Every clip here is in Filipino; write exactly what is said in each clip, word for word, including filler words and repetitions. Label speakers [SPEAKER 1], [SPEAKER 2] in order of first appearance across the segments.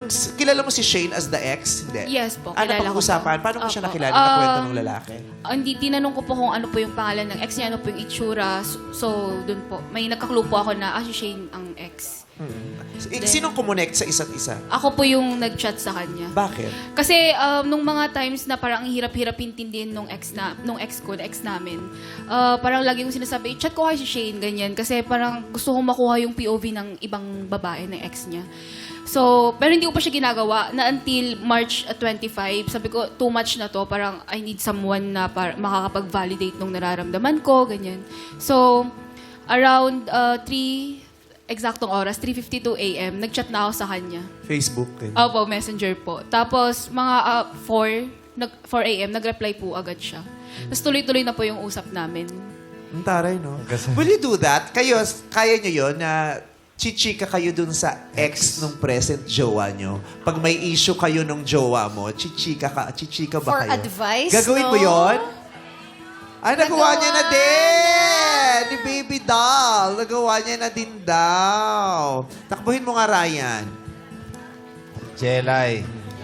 [SPEAKER 1] s- kilala mo si Shane as the ex? Hindi.
[SPEAKER 2] Yes po,
[SPEAKER 1] Ano
[SPEAKER 2] kilala
[SPEAKER 1] pang
[SPEAKER 2] ko po.
[SPEAKER 1] usapan? Paano mo siya
[SPEAKER 2] Opo.
[SPEAKER 1] nakilala? Nakwento
[SPEAKER 2] Um,
[SPEAKER 1] ng lalaki?
[SPEAKER 2] Ah, hindi, tinanong ko po kung ano po yung pangalan ng ex niya, ano po yung itsura. So, so dun po, may nagka-clue po ako na, ah, si Shane ang ex.
[SPEAKER 1] Eh, Sinong kumonect sa isa't isa?
[SPEAKER 2] Ako po yung nag-chat sa kanya.
[SPEAKER 1] Bakit?
[SPEAKER 2] Kasi um, nung mga times na parang ang hirap-hirap intindihin nung ex na nung ex ko, na ex namin. Uh, parang lagi kong sinasabi, chat ko kay si Shane ganyan kasi parang gusto kong makuha yung P O V ng ibang babae ng ex niya. So, pero hindi ko pa siya ginagawa na until March twenty-five, sabi ko too much na to, parang I need someone na para makakapag-validate nung nararamdaman ko, ganyan. So, around uh, three eksaktong oras, three fifty-two a m, nag-chat na ako sa kanya.
[SPEAKER 1] Facebook. Din.
[SPEAKER 2] Opo, messenger po. Tapos, mga uh, four, nag, four a m, nag-reply po agad siya. Tapos tuloy-tuloy na po yung usap namin.
[SPEAKER 1] Ang taray, no? Will you do that? Kayo, kaya nyo yun na chichika kayo dun sa ex nung present jowa nyo? Pag may issue kayo nung jowa mo, chichika ka, chichika ba
[SPEAKER 3] For
[SPEAKER 1] kayo?
[SPEAKER 3] advice,
[SPEAKER 1] Gagawin
[SPEAKER 3] no?
[SPEAKER 1] mo yun? Ay, nagawa
[SPEAKER 3] Nagawa
[SPEAKER 1] niya na din! Ni Baby Doll. Nagawa niya na din daw. Takbuhin mo nga, Ryan.
[SPEAKER 4] Jelay.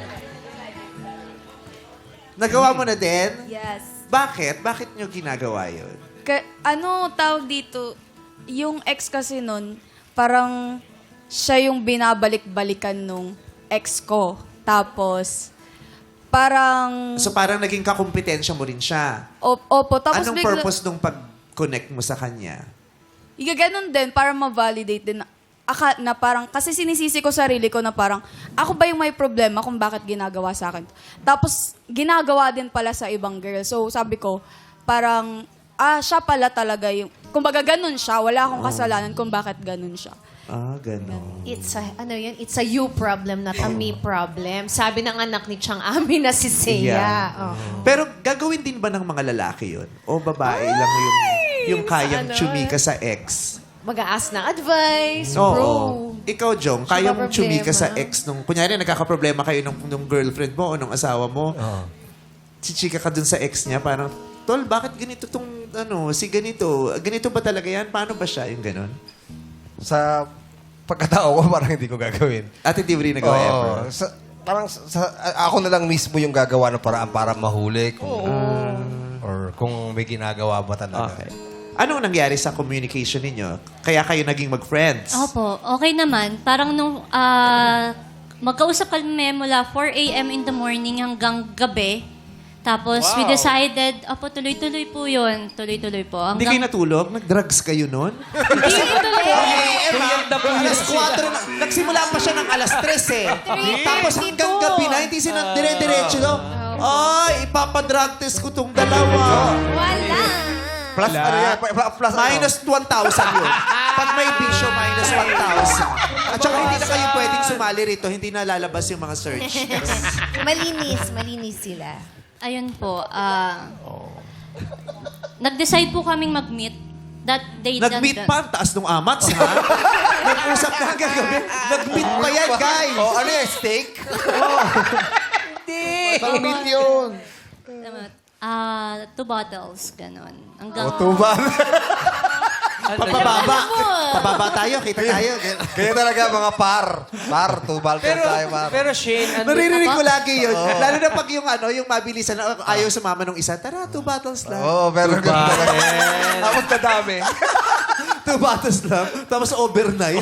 [SPEAKER 1] Nagawa mo na din?
[SPEAKER 5] Yes.
[SPEAKER 1] Bakit? Bakit nyo ginagawa yun?
[SPEAKER 5] Ka- ano tawag dito? Yung ex kasi nun, parang siya yung binabalik-balikan nung ex ko. Tapos, parang...
[SPEAKER 1] So parang naging kakumpetensya mo rin siya.
[SPEAKER 5] Op- opo, tapos
[SPEAKER 1] Anong
[SPEAKER 5] bigla-
[SPEAKER 1] purpose nung pag-connect mo sa kanya?
[SPEAKER 5] Igaganon din para ma-validate din na, aka, na parang, kasi sinisisi ko sarili ko na parang, ako ba yung may problema kung bakit ginagawa sa akin? Tapos, ginagawa din pala sa ibang girl. So, sabi ko, parang, ah, siya pala talaga yung, kumbaga ganun siya, wala akong kasalanan kung bakit ganun siya.
[SPEAKER 1] Ah, gano'n.
[SPEAKER 3] It's a, ano yun? It's a you problem, not a me problem. Sabi ng anak ni Chang Ami na si Seiya.
[SPEAKER 1] Yeah.
[SPEAKER 3] Oh.
[SPEAKER 1] Pero gagawin din ba ng mga lalaki yun? O babae lang yung, yung kayang
[SPEAKER 3] Ano?
[SPEAKER 1] chumika sa ex?
[SPEAKER 3] Mag-aas ng advice,
[SPEAKER 1] Oo.
[SPEAKER 3] bro.
[SPEAKER 1] Ikaw, Jong,
[SPEAKER 3] Siya
[SPEAKER 1] kaya
[SPEAKER 3] ba
[SPEAKER 1] mong chumika
[SPEAKER 3] problema?
[SPEAKER 1] sa ex nung... Kunyari, nagkakaproblema kayo nung, nung girlfriend mo o nung asawa mo. Chichika ka dun sa ex niya, parang, Tol, bakit ganito tong, ano, si ganito? Ganito ba talaga yan? Paano ba siya? Yung ganon?
[SPEAKER 4] Sa pagkatao ko, parang hindi ko gagawin.
[SPEAKER 1] At hindi mo rin nagawa
[SPEAKER 4] Oo.
[SPEAKER 1] ever?
[SPEAKER 4] Sa, parang sa, sa- ako na lang mismo yung gagawa ng paraan para mahuli. Kung, or kung may ginagawa ba talaga.
[SPEAKER 1] Okay. Anong nangyari sa communication ninyo? Kaya kayo naging mag-friends?
[SPEAKER 6] Opo, okay naman. Parang nung ah, magkausap kami mula four a m in the morning hanggang gabi. Tapos we decided, opo, tuloy-tuloy po yun. Tuloy-tuloy po.
[SPEAKER 1] Hindi kayo
[SPEAKER 6] Hanggang,
[SPEAKER 1] natulog? Nag-drugs kayo nun?
[SPEAKER 7] Alas
[SPEAKER 1] Kuwatro na. Nagsimula pa siya ng alas tres eh. Tapos hanggang gabi na, hindi sila dire-diretso. No? Ay, ipapadrug test ko tong dalawa.
[SPEAKER 3] Wala.
[SPEAKER 4] Plus, ano yan? Plus, plus ano?
[SPEAKER 1] Minus one thousand yun. Pag may bisyo, minus one thousand. At saka hindi na kayo pwedeng sumali rito. Hindi na lalabas yung mga search.
[SPEAKER 3] Malinis, malinis sila.
[SPEAKER 6] ayun po, ah, nag-decide po kaming mag-meet that day.
[SPEAKER 1] Nag-meet pa ang taas ng amats, ha? Nag-usap na hanggang gabi. Nag-meet pa yan, guys.
[SPEAKER 4] Oh, ano yan? Steak? Hindi. Pang-meet yun.
[SPEAKER 6] Ah, two bottles, ganon. Hanggang,
[SPEAKER 4] O, tuba.
[SPEAKER 1] Pababa. Pababa tayo, kita tayo.
[SPEAKER 4] Kaya talaga mga par. Par, tubal
[SPEAKER 7] Pero,
[SPEAKER 4] tayo, par.
[SPEAKER 7] pero Shane, ano,
[SPEAKER 1] Naririnig ko lagi yun. Lalo na pag yung ano, yung mabilisan, na ayaw sumama nung isa, tara, two bottles lang.
[SPEAKER 4] Oo, oh, pero ganun talaga. Tapos kadami.
[SPEAKER 1] Two bottles lang. Tapos overnight.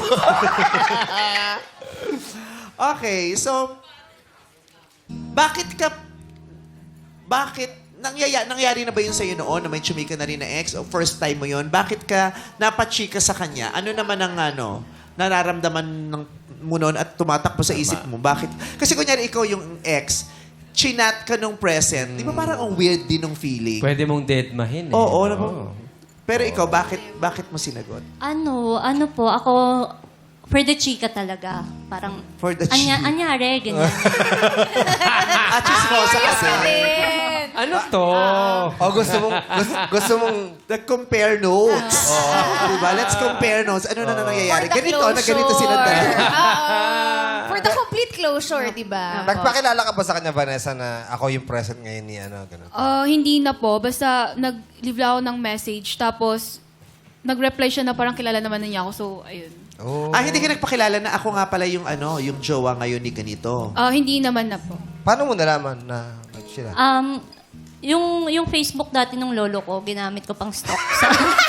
[SPEAKER 1] Okay, so, bakit ka, bakit, nangyaya, nangyari na ba yun sa'yo noon na may chumika na rin na ex o first time mo yun? Bakit ka napachika sa kanya? Ano naman ang ano, nararamdaman ng, mo noon at tumatakbo sa isip mo? Bakit? Kasi kunyari ikaw yung ex, chinat ka nung present, di ba parang ang weird din ng feeling?
[SPEAKER 7] pwede mong deadmahin eh.
[SPEAKER 1] Oo, oo. Pero ikaw, bakit bakit mo sinagot?
[SPEAKER 6] ano, ano po, ako, for the chika talaga. Parang,
[SPEAKER 1] For the
[SPEAKER 6] anya,
[SPEAKER 1] chika.
[SPEAKER 6] anyari, ganyan.
[SPEAKER 1] Ah, chismosa kasi.
[SPEAKER 7] Ano to?
[SPEAKER 4] O, gusto mong, gusto, gusto mong,
[SPEAKER 1] Nag-compare notes. Diba? Let's compare notes. Ano na na nangyayari?
[SPEAKER 3] For the
[SPEAKER 1] Ganito, na ganito
[SPEAKER 3] closure.
[SPEAKER 1] sila dalawa.
[SPEAKER 3] Oo. For the complete closure, di ba?
[SPEAKER 4] nagpakilala ka ba sa kanya, Vanessa, na ako yung present ngayon ni ano, ganun?
[SPEAKER 2] Ah, hindi na po. Basta nag-leave lang ako ng message. Tapos, nag-reply siya na parang kilala naman na niya ako. So, ayun.
[SPEAKER 4] Oh.
[SPEAKER 1] Ah, hindi ka nagpakilala na ako nga pala yung ano, yung jowa ngayon ni ganito.
[SPEAKER 2] Ah, hindi naman na po.
[SPEAKER 4] Paano mo nalaman na ano sila?
[SPEAKER 6] Um, yung, yung Facebook dati ng lolo ko, ginamit ko pang stock sa...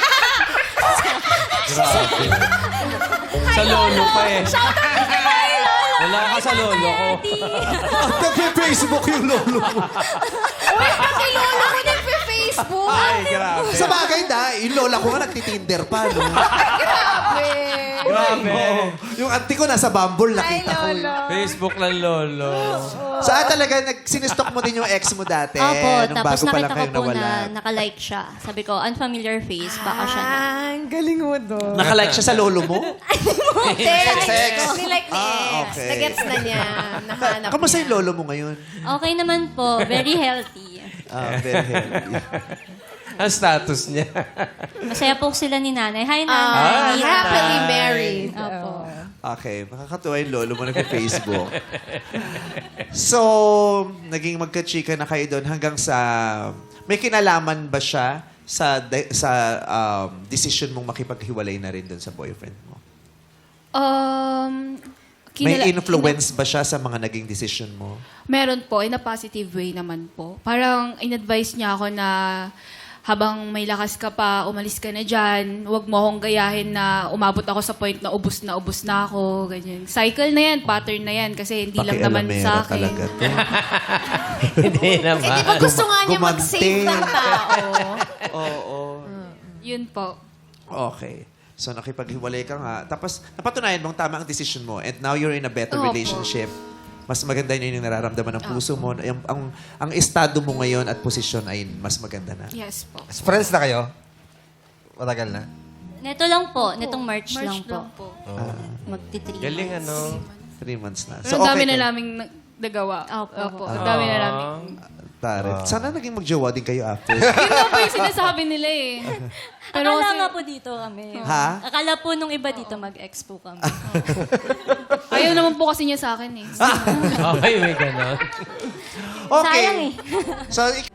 [SPEAKER 7] Sa lolo pa eh. Wala ka sa lolo ko.
[SPEAKER 1] Nagpe-Facebook yung lolo mo.
[SPEAKER 3] Uy, kasi lola ko nagpe-Facebook.
[SPEAKER 1] Ay, grabe. Sa bagay na, yung lola ko nga nagtitinder pa, no?
[SPEAKER 3] Grabe.
[SPEAKER 7] Grabe.
[SPEAKER 1] Yung auntie ko nasa Bumble,
[SPEAKER 3] Ay,
[SPEAKER 1] nakita ko.
[SPEAKER 3] lolo.
[SPEAKER 7] Facebook ng lolo.
[SPEAKER 1] Saan talaga, nag, sinistok mo din yung ex mo dati?
[SPEAKER 6] Opo,
[SPEAKER 1] nung
[SPEAKER 6] tapos
[SPEAKER 1] bago pa lang
[SPEAKER 6] nakita ko
[SPEAKER 1] kayong
[SPEAKER 6] po
[SPEAKER 1] nawala.
[SPEAKER 6] na nakalike siya. Sabi ko, unfamiliar face, baka siya na.
[SPEAKER 3] Ah, ang galing mo doon.
[SPEAKER 1] Nakalike siya sa lolo mo?
[SPEAKER 3] Sex,
[SPEAKER 4] sex.
[SPEAKER 3] Nilike ni
[SPEAKER 1] Ah,
[SPEAKER 3] ex.
[SPEAKER 1] okay.
[SPEAKER 3] Nagets na niya. Nahanap
[SPEAKER 1] Kamusta
[SPEAKER 3] niya.
[SPEAKER 1] yung lolo mo ngayon?
[SPEAKER 6] Okay naman po, very healthy.
[SPEAKER 1] Ah, very healthy.
[SPEAKER 7] Ang status niya.
[SPEAKER 6] Masaya po sila ni nanay. Hi,
[SPEAKER 3] Ah,
[SPEAKER 6] nanay.
[SPEAKER 3] happily married.
[SPEAKER 6] Opo.
[SPEAKER 1] Okay, makakatuwa yung lolo mo nag-Facebook. So, naging magka-chika na kayo doon hanggang sa... May kinalaman ba siya sa de- sa um, decision mong makipaghiwalay na rin doon sa boyfriend mo?
[SPEAKER 2] Um,
[SPEAKER 1] May
[SPEAKER 2] kinala-
[SPEAKER 1] influence ba siya sa mga naging decision mo?
[SPEAKER 2] Meron po, in a positive way naman po. Parang in-advise niya ako na habang may lakas ka pa, umalis ka na dyan. Huwag mo akong gayahin na umabot ako sa point na ubus na ubus na ako. Ganyan. Cycle na yan, pattern na yan. Kasi hindi lang naman
[SPEAKER 1] Pakialamera
[SPEAKER 2] sa akin.
[SPEAKER 1] talaga to.
[SPEAKER 7] Hindi
[SPEAKER 3] Eh, di ba
[SPEAKER 7] naman.
[SPEAKER 3] gusto nga niya
[SPEAKER 1] Gumante.
[SPEAKER 3] mag-save ng tao?
[SPEAKER 1] Oo.
[SPEAKER 2] Yun po.
[SPEAKER 1] Okay. So, nakipaghiwalay ka nga. Tapos, napatunayan mong tama ang decision mo. And now you're in a better
[SPEAKER 2] Opo.
[SPEAKER 1] relationship. Mas maganda yun yung nararamdaman ng puso mo. Ang, ang, ang estado mo ngayon at posisyon ay mas maganda na.
[SPEAKER 2] Yes po.
[SPEAKER 4] Friends na kayo? Matagal na?
[SPEAKER 6] Neto lang po, netong March,
[SPEAKER 2] March
[SPEAKER 6] lang po.
[SPEAKER 2] lang po.
[SPEAKER 6] Magti-three
[SPEAKER 7] Galing
[SPEAKER 6] months.
[SPEAKER 7] ano.
[SPEAKER 1] Three months na.
[SPEAKER 2] Pero ang dami na
[SPEAKER 1] kayo.
[SPEAKER 2] naming nag- nagawa.
[SPEAKER 6] Opo.
[SPEAKER 2] Opo. Ang dami na namin.
[SPEAKER 1] Tarik. Sana naging magjowa din kayo after.
[SPEAKER 2] Yun nga po yung sinasabi nila eh. Pero
[SPEAKER 6] Akala
[SPEAKER 2] kasi,
[SPEAKER 6] nga po dito kami.
[SPEAKER 1] Ha?
[SPEAKER 6] Akala po nung iba dito mag-ex po kami.
[SPEAKER 2] ayaw naman po kasi niya sa akin eh.
[SPEAKER 7] Okay, may ganon.
[SPEAKER 1] Okay.
[SPEAKER 6] Sayang eh.
[SPEAKER 1] So, ik-